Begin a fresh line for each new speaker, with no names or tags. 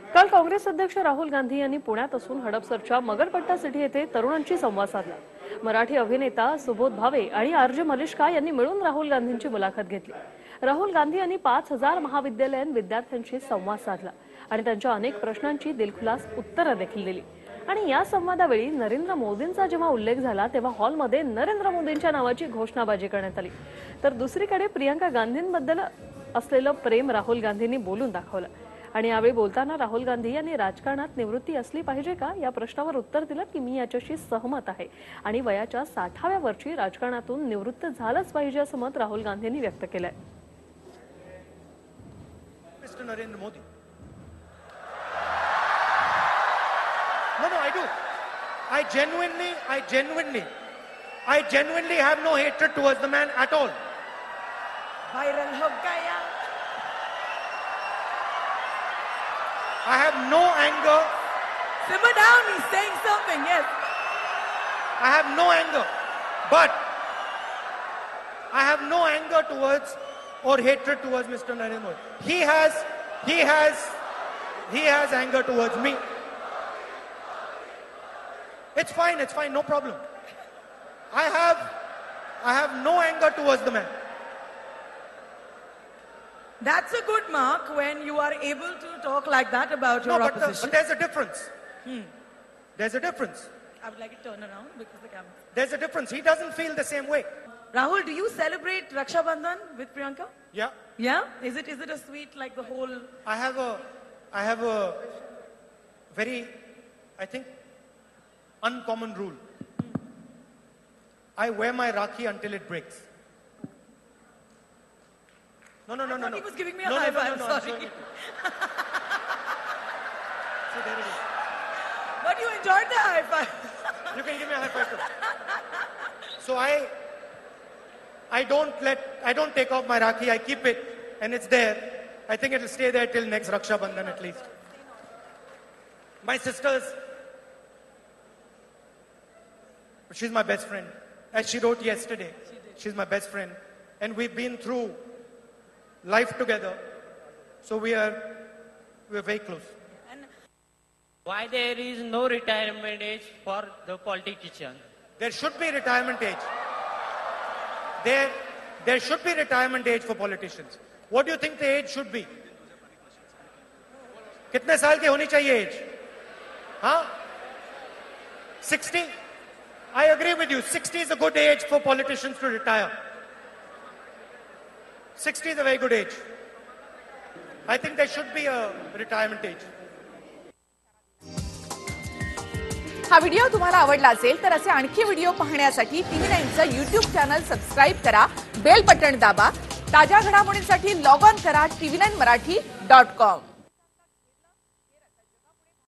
काल काँग्रेस अध्यक्ष राहुल गांधी यांनी पुण्यात असून हडपसरच्या मगरपट्टा सिटी येथे तरुणांशी संवाद साधला। मराठी अभिनेता सुबोध भावे आणि आरजे मलिष्का यांनी मिळून राहुल गांधींची मुलाखत घेतली। राहुल गांधी यांनी 5000 महाविद्यालयीन विद्यार्थ्यांशी संवाद साधला आणि त्यांच्या अनेक प्रश्नांची दिलखुलास उत्तरे देखील दिली। आणि या संवादावेळी नरेंद्र मोदींचा जेव्हा उल्लेख झाला तेव्हा हॉलमध्ये नरेंद्र मोदींच्या नावाची घोषणाबाजी करण्यात आली। तर दुसरीकडे प्रियंका गांधींबद्दल असलेलं प्रेम राहुल गांधींनी बोलून दाखवलं। आणि यावेळी बोलताना राहुल गांधी यांनी राजकारणात निवृत्ती असली पाहिजे का या प्रश्नावर उत्तर दिलं की मी याच्याशी सहमत आहे आणि वयाच्या 60व्या वर्षी राजकारणातून निवृत्त झालंच पाहिजे असं मत राहुल गांधींनी व्यक्त केलंय।
Mr. Narendra Modi. No, I do. I genuinely have no hatred towards the man at all.
Viral ho gaya.
I have no anger.
Simmer down, he's saying something, yes.
I have no anger. But I have no anger towards or hatred towards Mr. Narendra Modi. He has anger towards me. It's fine, no problem. I have no anger towards the man.
That's a good mark when you are able to talk like that about your opposition.
But there's a difference. There's a difference.
I would like to turn around because the camera.
There's a difference. He doesn't feel the same way.
Rahul, do you celebrate Raksha Bandhan with Priyanka?
Yeah.
Yeah? Is it a sweet like the whole?
I have a very, I think, uncommon rule. I wear my Rakhi until it breaks. No.
He was giving me a high five. Sorry.
See, there it is.
But you enjoyed the high five.
You can give me a high five too. So I don't take off my Rakhi. I keep it and it's there. I think it'll stay there till next Raksha Bandhan at least. My sisters, she's my best friend. As she wrote yesterday, she's my best friend. And we've been through life together. So we're very close.
Why there is no retirement age for the politician?
There should be retirement age. There should be retirement age for politicians. What do you think the age should be? कितने साल की होनी चाहिए age? Huh? 60? I agree with you. 60 is a good age for politicians to retire. 60 is a very good age. I think there should be a retirement age.
हा video तुम्हाला आवडला असेल तर असे आणखी व्हिडिओ पाहण्यासाठी TV9चं YouTube चॅनल सबस्क्राइब करा, बेल बटन दाबा, ताज्या घडामोडींसाठी लॉग ऑन करा tv9marathi.com.